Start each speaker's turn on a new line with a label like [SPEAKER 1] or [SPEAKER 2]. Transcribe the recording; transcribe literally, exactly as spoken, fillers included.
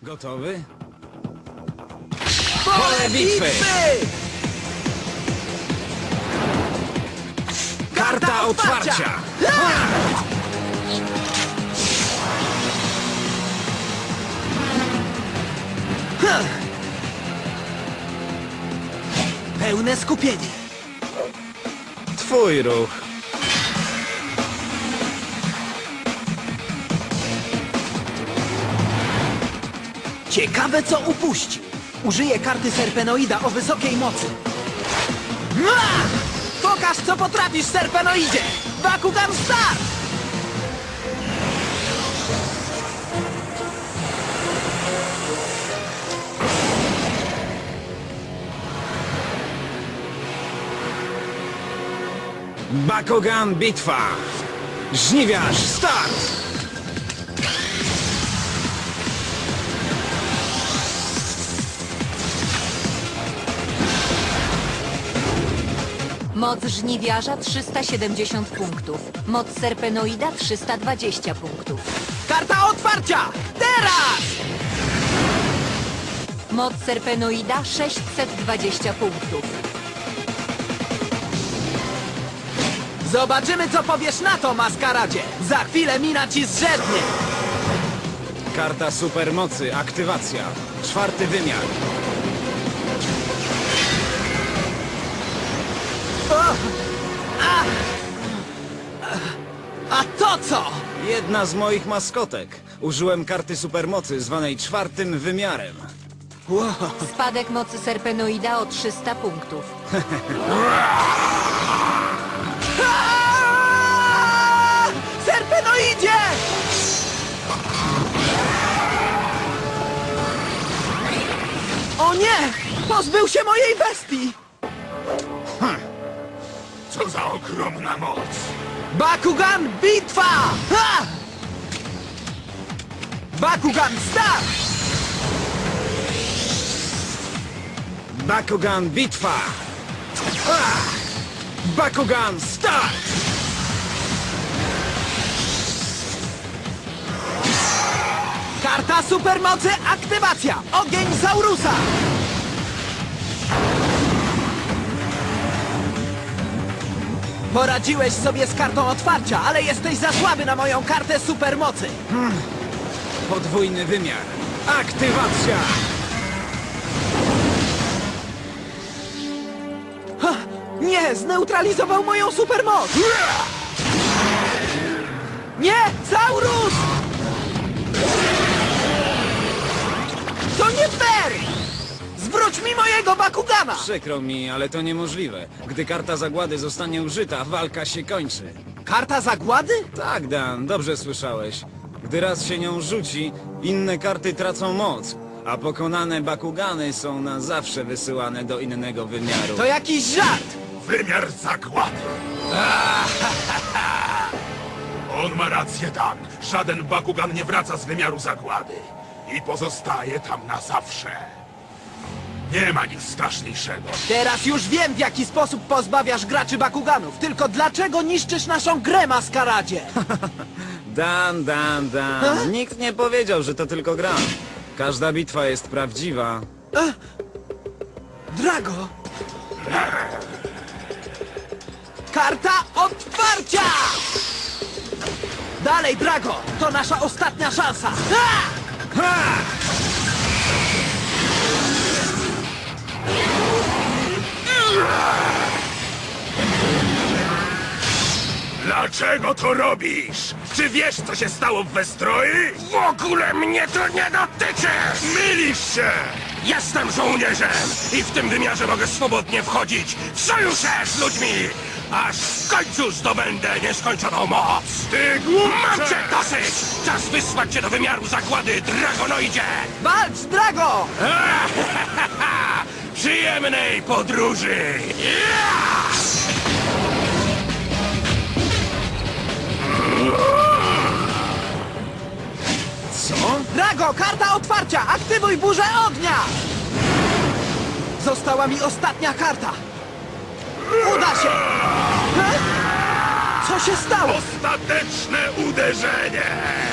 [SPEAKER 1] Gotowy? Pole bitwy! Karta otwarcia!
[SPEAKER 2] Pełne skupienie.
[SPEAKER 1] Twój ruch.
[SPEAKER 2] Ciekawe, co upuści. Użyję karty Serpenoida o wysokiej mocy. Mua! Pokaż, co potrafisz, Serpenoidzie! Bakugan Start!
[SPEAKER 1] Bakugan bitwa! Żniwiarz start!
[SPEAKER 3] Moc żniwiarza trzysta siedemdziesiąt punktów. Moc serpenoida trzysta dwadzieścia punktów.
[SPEAKER 2] Karta otwarcia! Teraz!
[SPEAKER 3] Moc serpenoida sześćset dwadzieścia punktów.
[SPEAKER 2] Zobaczymy, co powiesz na to, maskaradzie! Za chwilę mina ci zrzednie!
[SPEAKER 1] Karta supermocy, aktywacja. Czwarty wymiar.
[SPEAKER 2] O! A! A to co?
[SPEAKER 1] Jedna z moich maskotek. Użyłem karty supermocy zwanej czwartym wymiarem.
[SPEAKER 2] Wow.
[SPEAKER 3] Spadek mocy serpenoida o trzysta punktów.
[SPEAKER 2] Aaaa! Serpenoidzie! O nie! Pozbył się mojej bestii!
[SPEAKER 4] Co za ogromna moc!
[SPEAKER 2] Bakugan bitwa! Ha! Bakugan start!
[SPEAKER 1] Bakugan bitwa! Ah! Bakugan start!
[SPEAKER 2] Karta supermocy aktywacja! Ogień Saurusa! Poradziłeś sobie z kartą otwarcia, ale jesteś za słaby na moją kartę supermocy!
[SPEAKER 1] Podwójny wymiar. Aktywacja!
[SPEAKER 2] Ha! Nie! Zneutralizował moją supermoc! Nie! Saurus! To nie fair! Zwróć mi mojego Bakugana!
[SPEAKER 1] Przykro mi, ale to niemożliwe. Gdy karta zagłady zostanie użyta, walka się kończy.
[SPEAKER 2] Karta zagłady?
[SPEAKER 1] Tak, Dan, dobrze słyszałeś. Gdy raz się nią rzuci, inne karty tracą moc, a pokonane Bakugany są na zawsze wysyłane do innego wymiaru.
[SPEAKER 2] To jakiś żart!
[SPEAKER 4] Wymiar zagłady! On ma rację, Dan. Żaden Bakugan nie wraca z wymiaru zagłady. I pozostaje tam na zawsze. Nie ma nic straszniejszego.
[SPEAKER 2] Teraz już wiem, w jaki sposób pozbawiasz graczy Bakuganów. Tylko dlaczego niszczysz naszą grę, maskaradzie?
[SPEAKER 1] Dan, Dan, Dan.
[SPEAKER 2] Ha?
[SPEAKER 1] Nikt nie powiedział, że to tylko gra. Każda bitwa jest prawdziwa.
[SPEAKER 2] Drago! Karta otwarcia! Dalej, Drago! To nasza ostatnia szansa! Ha!
[SPEAKER 1] Ha!
[SPEAKER 4] Dlaczego to robisz? Czy wiesz, co się stało w Westroi? W ogóle mnie to nie dotyczy! Mylisz się! Jestem żołnierzem i w tym wymiarze mogę swobodnie wchodzić w sojusze z ludźmi! Aż w końcu zdobędę nieskończoną moc! Ty głupcze! Mam cię dosyć! Czas wysłać cię do wymiaru zagłady, Dragonoidzie!
[SPEAKER 2] Walcz, Drago!
[SPEAKER 4] Przyjemnej podróży!
[SPEAKER 1] Co?
[SPEAKER 2] Drago, karta otwarcia! Aktywuj burzę ognia! Została mi ostatnia karta! Uda się! Ha? Co się stało?
[SPEAKER 4] Ostateczne uderzenie!